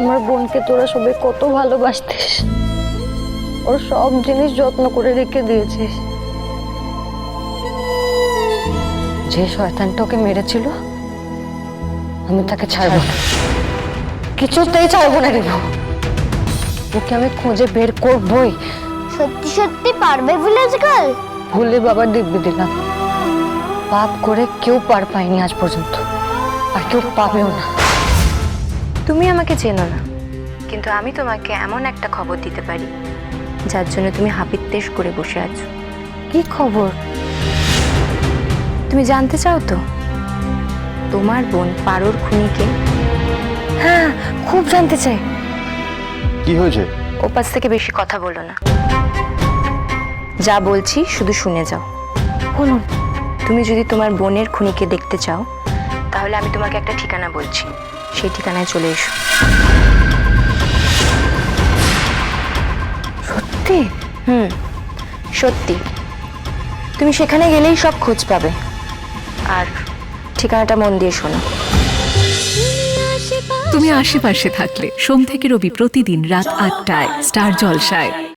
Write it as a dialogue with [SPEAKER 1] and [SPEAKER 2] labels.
[SPEAKER 1] আমার বোনকে তোরা সবাই কত ভালোবাসতিস, ওর সব জিনিস যত্ন করে রেখে দিয়েছিস। যে শয়তানটা ওকে মেরেছিল আমি তাকে ছাড়বো না, কিছুতেই ছাড়বো না রিভু। ওকে আমি খুঁজে বের করবই।
[SPEAKER 2] সত্যি সত্যি পারবে ভিলেজ গার্ল?
[SPEAKER 1] ভুলে বাবার দিব্যি দিলাম, পাপ করে কেউ পার পায়নি আজ পর্যন্ত, আর কেউ পাবেও না।
[SPEAKER 3] তুমি আমাকে চেনো না, কিন্তু আমি তোমাকে এমন একটা খবর দিতে পারি যার জন্য তুমি হাপিত্তেশ করে বসে আছো।
[SPEAKER 1] কি খবর?
[SPEAKER 3] তুমি জানতে চাও তো তোমার বোন পারোর খুনিকে?
[SPEAKER 1] হ্যাঁ, খুব জানতে চাই।
[SPEAKER 4] কি হয়েছে?
[SPEAKER 3] ওপাশ থেকে বেশি কথা বলো না, যা বলছি শুধু শুনে যাও।
[SPEAKER 1] বলুন।
[SPEAKER 3] তুমি যদি তোমার বোনের খুনিকে দেখতে চাও তাহলে আমি তোমাকে একটা ঠিকানা বলছি, সেই ঠিকানায় চলে এসো।
[SPEAKER 1] সত্যি?
[SPEAKER 3] সত্যি। তুমি সেখানে গেলেই সব খোঁজ পাবে। আর ঠিকানাটা মন দিয়ে শোনো।
[SPEAKER 5] তুমি আশেপাশে থাকলে সোম থেকে রবি প্রতিদিন রাত ৮টায় স্টার জলসায়।